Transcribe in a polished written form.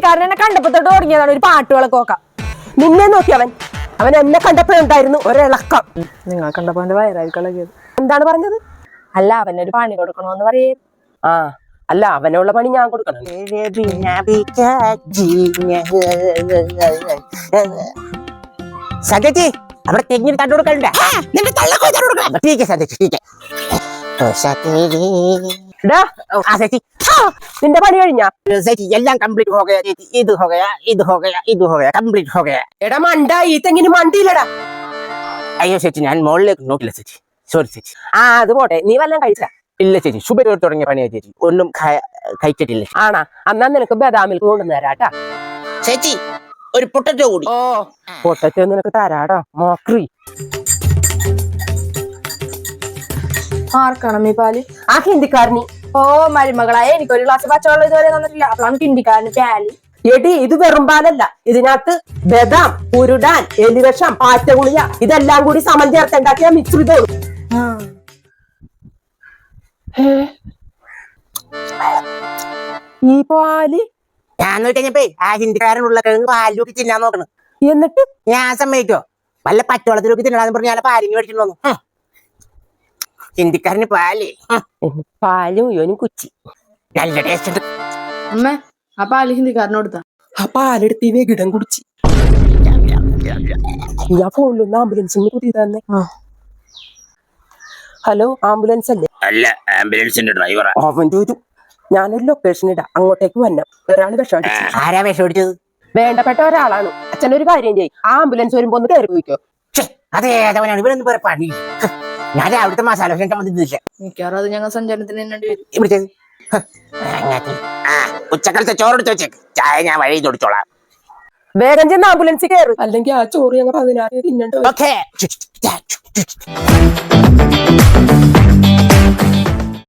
ഹിന്ദിക്കാരനെ കണ്ടപ്പോ തൊട്ട് തുടങ്ങിയതാണ് ഒരു പാട്ടുകളൊക്കെ നോക്കാം. നിന്നെ നോക്കി അവൻ എന്നെ കണ്ടപ്പോഴുണ്ടായിരുന്നു ഒരിളക്കം. നിങ്ങൾ കണ്ടപ്പോ എന്റെ വയറായിരിക്കും. എന്താണ് പറഞ്ഞത്? അല്ല അവനൊരു പണി കൊടുക്കണോന്ന് പറയേ. ആ അല്ല അവനുള്ള പണി ഞാൻ കൊടുക്കണം. സന്ധ്യച്ചി അവിടെ തെങ്ങിന് തണ്ടു കൊടുക്കണ്ട. നിന്റെ പണി കഴിഞ്ഞാ? എല്ലാം കംപ്ലീറ്റ് ഹോ ഗയാ ചേച്ചി. ഇത് ഹോ ഗയാ കംപ്ലീറ്റ് ഹോ ഗയാ. എടാ മണ്ട, ഈ തെങ്ങിന് മണ്ടിയില്ലടാ. അയ്യോ ചേച്ചി, ഞാൻ മുകളിലേക്ക് നോക്കില്ല ചേച്ചി, സോറി ചേച്ചി. അത് പോട്ടെ, നീ വല്ലതും കഴിച്ച? ഇല്ല ചേച്ചി, ശുഭ തുടങ്ങിയ പണിയാ ചേച്ചി, ഒന്നും കഴിച്ചിട്ടില്ല. ആണാ? എന്നാ നിനക്ക് ബദാമിൽ കൊണ്ടുവന്ന് തരാട്ടാ. ചേച്ചി ഒരു പൊട്ടറ്റോ കൂടി. ഓ പൊട്ടറ്റോ നിനക്ക് തരാടാ മോക്രി. ആർക്കണം ഈ പാല്? ആ ഹിന്ദിക്കാരനി. ഓ മരുമകളായ എനിക്കൊരു ഗ്ലാസ് പച്ചവെള്ളം ഇതുവരെ തന്നിട്ടില്ല. അപ്പോഴാണ് ഹിന്ദിക്കാരന് പാല്. എടി ഇത് വെറും പാലല്ല, ഇതിനകത്ത് ബദാം, കുരുടാൻ, എലിവിഷം, പാറ്റഗുളിക ഇതെല്ലാം കൂടി സമം ചേർത്തുണ്ടാക്കിയ മിശ്രിതമാണ്. ഈ പാല് ഞാൻ നോക്കിയപ്പോ ആ ഹിന്ദിക്കാരനുള്ള കിഴങ്ങ് പാലിലൂക്കി തിന്നാൻ നോക്കണം. എന്നിട്ട് ഞാൻ സമ്മതിക്കോ? വല്ല പച്ചവെള്ളത്തിലൂക്കി തിന്നലാന്ന് പറഞ്ഞ് ഞാൻ പാലിന് മേടിച്ചിട്ട് വന്നു. ഹിന്ദിക്കാരന് പാല്, പാലും ഇവനും കുച്ചി. നല്ല ടേസ്റ്റ് ഉണ്ട്. അമ്മേ ആ പാല് ഹിന്ദിക്കാരന് കൊടുത്ത. ആ പാലെടുത്ത് ഈ വെകിടം കുടിച്ച്. ഞാൻ ഫോണിലൊന്ന് ആംബുലൻസിന് കുത്തി തന്നെ. ഹലോ, ആംബുലൻസ് അല്ലേ? അല്ല, ആംബുലൻസിന്റെ ഡ്രൈവറാ. അവന്റെ ഒരു ഞാനൊരു ലൊക്കേഷൻ ഇടാം, അങ്ങോട്ടേക്ക് വരണം. ഒരാൾ വിഷം അടിച്ചു. ആരാ വിഷം അടിച്ചത്? വേണ്ടപ്പെട്ട ഒരാളാണ്. അച്ഛനൊരു കാര്യം ചെയ്യും, ആ ആംബുലൻസ് വരുമ്പോ ഒന്ന് കയറി പോയിക്കോ. അതെ, ഏതവനാണ് ഇവരൊന്നും പറയാ പണി. ഞാൻ അവിടുത്തെ മസാല ദോശ വന്നിട്ടില്ല. മിക്കവാറും അത് ഞങ്ങൾ സഞ്ചാരത്തിന് തന്നെ വിളിച്ചത്. ഉച്ചക്കാലത്തെ ചോറെടുത്ത് വെച്ചേക്ക്, ചായ ഞാൻ വഴി തൊടിച്ചോളാം. വേഗം ചെന്ന് ആംബുലൻസ് കയറി, അല്ലെങ്കിൽ ആ ചോറ് ഞങ്ങൾ 16 തിന്നണ്ടോ. ഓക്കേ.